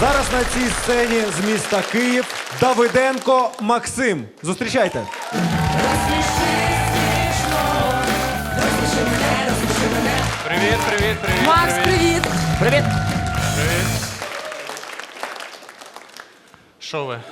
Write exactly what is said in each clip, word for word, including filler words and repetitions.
Зараз на цій сцені з міста Київ Давиденко Максим. Зустрічайте. Привіт, привіт, привіт. Макс, привіт! Привіт! Привіт. Що ви?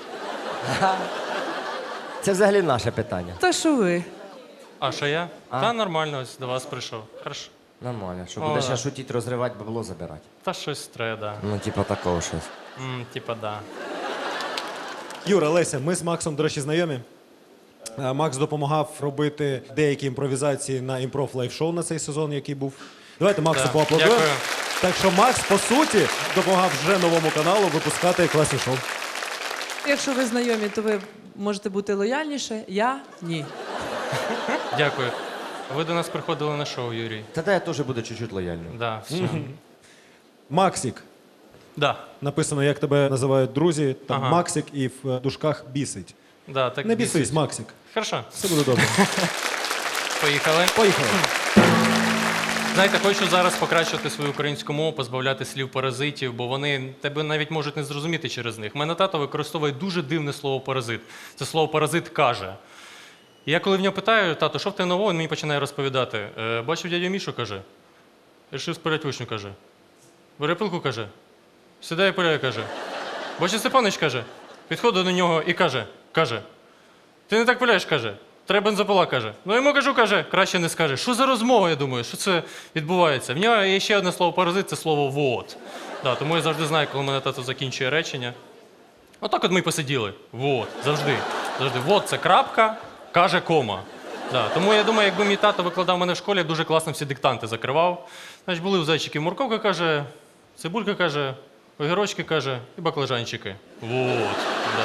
Це взагалі наше питання. Та що ви? А що я? Та нормально, ось до вас прийшов. Хорошо. Нормально. Що О, будеш да. ще шутити, розривати, бабло забирати. Та щось треба, да. Ну, типа такого щось. М, типа, да. Юра, Леся, ми з Максом, до речі, знайомі. Е, Макс допомагав робити деякі імпровізації на імпров лайв-шоу на цей сезон, який був. Давайте Максу Да. поаплодуємо. Дякую. Так що Макс, по суті, допомагав вже новому каналу випускати класні шоу. Якщо ви знайомі, то ви можете бути лояльніше. Я ні. Дякую. Ви до нас приходили на шоу, Юрій. Тоді я теж буду чуть-чуть лояльним. Да, все. Максик. Да. Написано, як тебе називають друзі. Там Ага. Максик і в дужках бісить. Да, так Не бісись, бісить. Максик. Хорошо, Все буде добре. поїхали. Поїхали. Знаєте, хочу зараз покращувати свою українську мову, позбавляти слів паразитів, бо вони тебе навіть можуть не зрозуміти через них. Мене тато використовує дуже дивне слово паразит. Це слово паразит каже. І я коли в нього питаю, тато, що в тебе нового, він мені починає розповідати. Е, бачив дядю Мішу, каже. Рішив спалять вишню, каже. Бере пилку, каже. Сідає і пиляє, каже. Бачив Степанич, каже. Підходить до нього і каже, каже. Ти не так пиляєш, каже. Треба бензопила, каже. Ну йому кажу, каже, краще не скаже. Що за розмова, я думаю, що це відбувається? В нього є ще одне слово паразит, це слово вот. Да, тому я завжди знаю, коли мене тато закінчує речення. Отак от ми й посиділи. Вот, завжди. Завжди. Вот це крапка, каже кома. Да, тому я думаю, якби мій тато викладав мене в школі, я дуже класно всі диктанти закривав. Значить, були у зайчиків морковка, каже, цибулька, каже, огірочки, каже, і баклажанчики. Вот, да.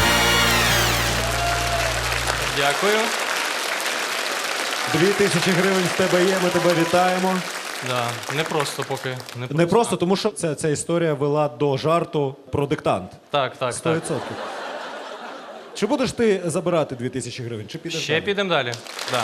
Дякую. Дві тисячі гривень в тебе є, ми тебе вітаємо. Да, не просто поки. Не просто. Не просто, тому що ця, ця історія вела до жарту про диктант. Так, так, Сто так. відсотків. Чи будеш ти забирати дві тисячі гривень? Чи підеш Ще далі? підемо далі. Да.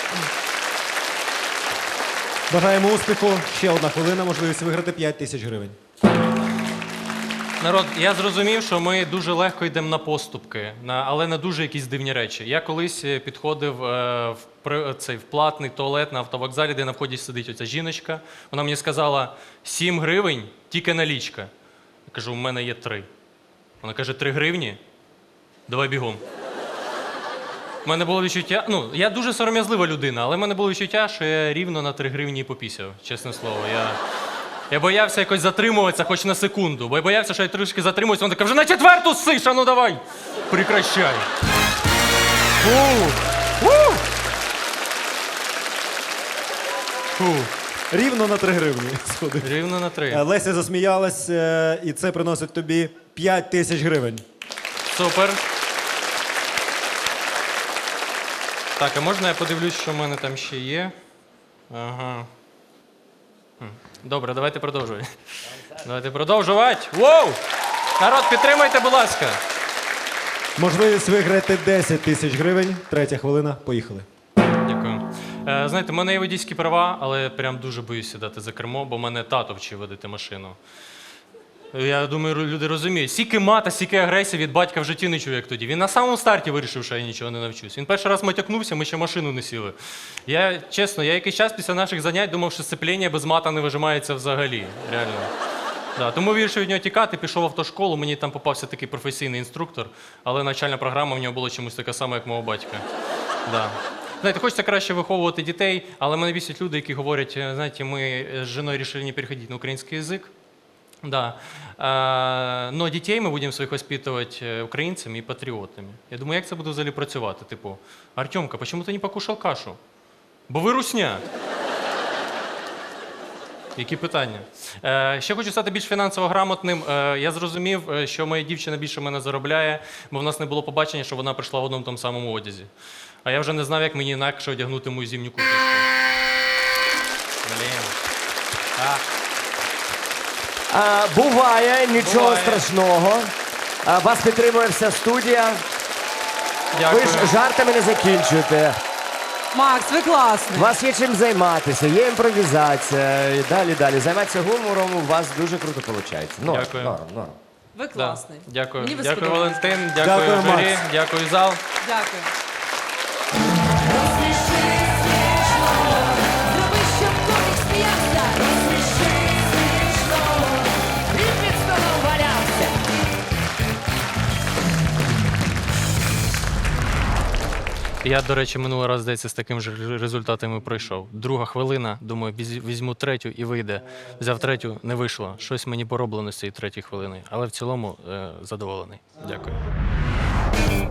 Бажаємо успіху. Ще одна хвилина, можливість виграти п'ять тисяч гривень. Народ, я зрозумів, що ми дуже легко йдемо на поступки, на, але на дуже якісь дивні речі. Я колись е, підходив е, в, при- цей, в платний туалет на автовокзалі, де на вході сидить оця жіночка. Вона мені сказала, сім гривень, тільки налічка. Я кажу, у мене є три. Вона каже, три гривні? Давай бігом. У мене було відчуття, ну, я дуже сором'язлива людина, але в мене було відчуття, що я рівно на три гривні і попісяв, чесне слово. Я, я боявся якось затримуватися хоч на секунду, бо я боявся, що я трішки затримуюся, вона така, вже на четверту ссиш, а ну давай, прекращай. Фу. Фу. Фу. Рівно на три гривні. сходив. Рівно на Е, три. Леся засміялась, е, і це приносить тобі п'ять тисяч гривень. Супер. Так, а можна я подивлюсь, що в мене там ще є? Ага. Хм. Добре, давайте продовжувати. Давайте продовжувати. Воу! Народ, підтримайте, будь ласка. Можливість виграти десять тисяч гривень. Третя хвилина. Поїхали. Дякую. Е, знаєте, в мене є водійські права, але я прям дуже боюсь сідати за кермо, бо мене тато вчив водити машину. Я думаю, люди розуміють. Стільки мата, стільки агресії від батька в житті не чув, як тоді. Він на самому старті вирішив, що я нічого не навчусь. Він перший раз матякнувся, ми ще машину не сіли. Я, чесно, я якийсь час після наших занять думав, що сцепління без мата не вижимається взагалі. Реально. Да, тому вирішив від нього тікати, пішов в автошколу, мені там попався такий професійний інструктор, але навчальна програма в нього була чомусь така сама, як мого батька. Да. Знаєте, хочеться краще виховувати дітей, але мене бісять люди, які говорять, знаєте, ми з жіною вирішили не переходити на український язик. Да. А, но детей мы будем своих воспитывать э, украинцами и патриотами. Я думаю, як це буде взагалі працювати? Типу, Артемка, почему ти не покушав кашу? Бо ви русня. Які питання? Е, ще хочу стати більш фінансово грамотним. Е, я зрозумів, е, що моя дівчина більше мене заробляє, бо в нас не було побачення, що вона прийшла в одному тому самому одязі. А я вже не знав, як мені інакше одягнути мою зимню курточку. Блін. А. А, буває, нічого Буває. страшного. А, вас підтримує вся студія. Дякую. Ви ж жартами не закінчуєте. Макс, ви класний. У вас є чим займатися, є імпровізація і далі, далі. Займатися гумором у вас дуже круто виходить. Норм, Дякую. норм, норм. Ви класний. Да. Дякую. Мені ви Дякую, сподобались. Валентин. Дякую, Дякую, журі. Макс. Дякую, зал. Дякую. Зроби, щоб комік сміявся. Розсміши смішно. І під столом валявся. Я, до речі, минулий раз, здається, з таким же результатом і пройшов. Друга хвилина, думаю, віз- візьму третю і вийде. Взяв третю, не вийшло. Щось мені пороблено з цієї третьої хвилини. Але в цілому е, задоволений. Дякую.